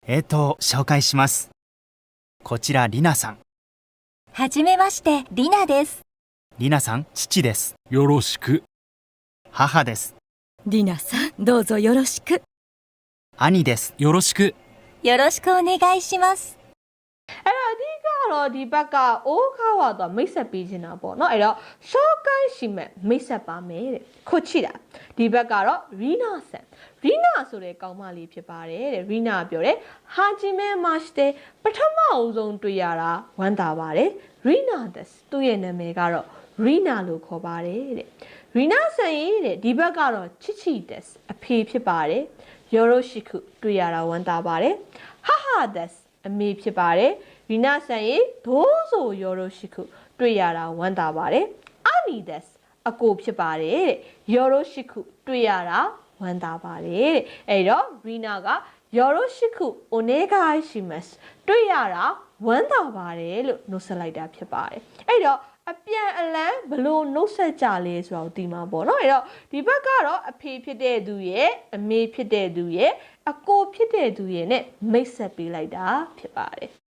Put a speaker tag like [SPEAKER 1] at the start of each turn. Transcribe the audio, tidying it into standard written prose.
[SPEAKER 1] 紹介します。こちらリナさん。
[SPEAKER 2] はじめまして、リナです。
[SPEAKER 1] リナさん、父です。
[SPEAKER 3] よろしく。
[SPEAKER 1] 母です。
[SPEAKER 2] リナさん、どうぞよろしく。
[SPEAKER 1] 兄です。
[SPEAKER 3] よろしく。
[SPEAKER 2] よろしくお願いします。
[SPEAKER 4] တော့ဒီဘက်ကအိုးခါဝါတော့မိတ်ဆက်ပေးနေတာပေါ့နော်အဲ့တော့ရှော့ကိုင်းရှိမဲ့မိတ်ဆက်ပါမယ်တဲ့ခုချီတာဒီဘက်ကတော့ရီနာဆန်ရီနာဆိုတဲ့ကောင်းမလေးဖြစ်ပါတယ်တဲ့ရီနာပြောတယ်ဟာဂျီမဲမတ်တဲ့ပထမအဦးဆုံးတွေ့ရတာဝမ်းသာပါတယ်ရီနာဒက်သူ့ရဲ့နာမည်ကတော့ရီနာလို့ခေါ်ပါတယ်တဲ့ရီနာဆန်ရဲ့တဲ့ဒီဘက်ကတော့ချစ်ချီဒက်အဖေဖြစ်ပါတယ်ယောရိုရှိခုတွေ့ရတာဝမ်းသာပါတယ်ဟာဟာဒက်အမေဖြစ်ပါတယ်ရီနာဆန်ရဲ့ဒိုးဆိုယောရိုရှိခုတွေ့ရတာဝမ်းသာပါတယ်အာနီဒက်အကိုဖြစ်ပါတယ်တဲ့ယောရိုရှိခုတွေ့ရတာဝမ်းသာပါတယ်တဲ့အဲ့တော့ရီနာကယောရိုရှိခုအိုနေဂိုင်းရှိမတ်တွေ့ရတာဝမ်းသာပါတယ်လို့နှုတ်ဆက်လိုက်တာဖြစ်ပါတယ်အဲ့တော့အပြန်အလှန်ဘလို့နှုတ်ဆက်ကြလဲဆိုတော့ဒီမှာပေါ့နော်အဲ့တော့ဒီဘက်ကတော့အဖေဖြစ်တဲ့သူရဲ့အမေဖြစ်တဲ့သူရဲ့အကိုဖြစ်တဲ့သူရဲ့ ਨੇ မိတ်ဆက်ပေးလိုက်တာဖြစ်ပါတယ်